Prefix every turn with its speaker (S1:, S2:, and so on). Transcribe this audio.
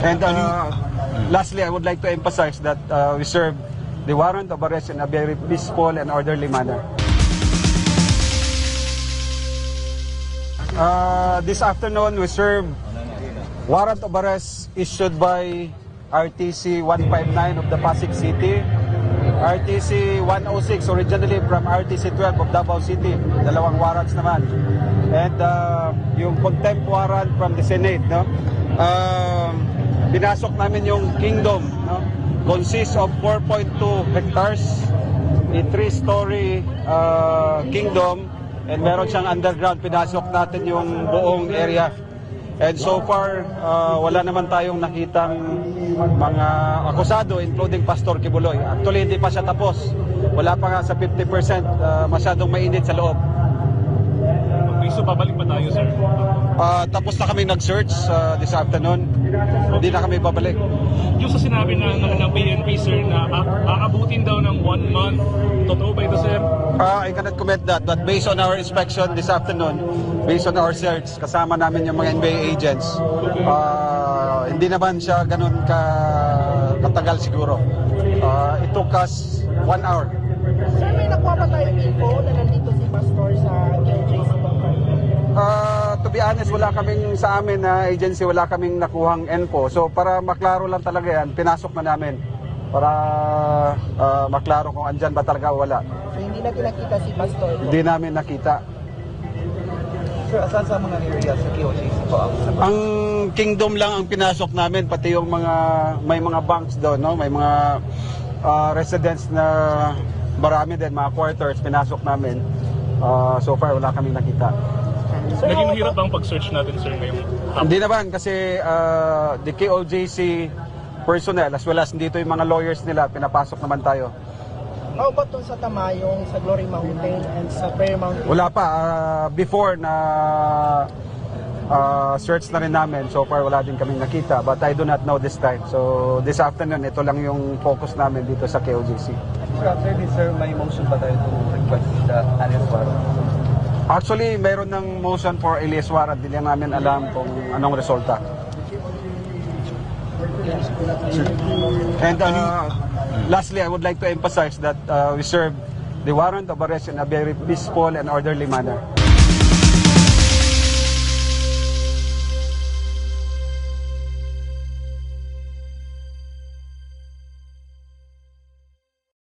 S1: And lastly, I would like to emphasize that we serve the warrant of arrest in a very peaceful and orderly manner. This afternoon, we serve warrant of arrest issued by RTC 159 of the Pasig City, RTC 106 originally from RTC 12 of Davao City, dalawang warrants naman, and yung contempt warrant from the Senate, no? Pinasok namin yung Kingdom, no? Consists of 4.2 hectares, a 3-story kingdom, and meron siyang underground. Pinasok natin yung buong area. And so far, wala naman tayong nakitang mga akusado, including Pastor Kibuloy. Actually, hindi pa siya tapos. Wala pa nga sa 50%, masyadong mainit sa loob.
S2: Okay, so babalik pa tayo, sir?
S1: Tapos na kami nag-search this afternoon. Hindi na kami babalik.
S2: Yung sa sinabi ng PNP, sir, na aabutin daw ng 1 month, totoo ba ito, sir?
S1: I cannot comment that, but based on our inspection this afternoon, based on our search, kasama namin yung mga NBA agents, hindi naman siya ganun katagal siguro. It took us 1 hour.
S3: Sir, may nakuha ba tayong info na nandito si Pastor sa KOJC?
S1: To be honest, wala kaming sa amin na agency, wala kaming nakuhang info. So para maklaro lang talaga yan, pinasok na namin para maklaro kung andyan ba talaga o wala.
S3: So hindi natin nakita si Pastor?
S1: Hindi namin nakita.
S4: Sir, asan sa mga areas sa KOJC po?
S1: Ang Kingdom lang ang pinasok namin, pati yung may mga banks doon, no? May mga residents na marami din, mga quarters, pinasok namin. So far, wala kaming nakita.
S2: Naging mahirap bang pag-search natin, sir, ngayong
S1: Hindi naman kasi the KOJC personnel as well as dito yung mga lawyers nila, pinapasok naman tayo.
S3: How about dun sa Tamayong, sa Glory Mountain, and sa Prayer Mountain?
S1: Wala pa. Before na search na rin namin, so far wala din kaming nakita, but I do not know this time. So this afternoon, ito lang yung focus namin dito sa KOJC.
S4: Sir, after this, sir, may motion ba tayo to request the alias warrant?
S1: Actually, mayroon ng motion for alias warrant. Hindi lang namin alam kung anong resulta. And lastly, I would like to emphasize that we serve the warrant of arrest in a very peaceful and orderly manner.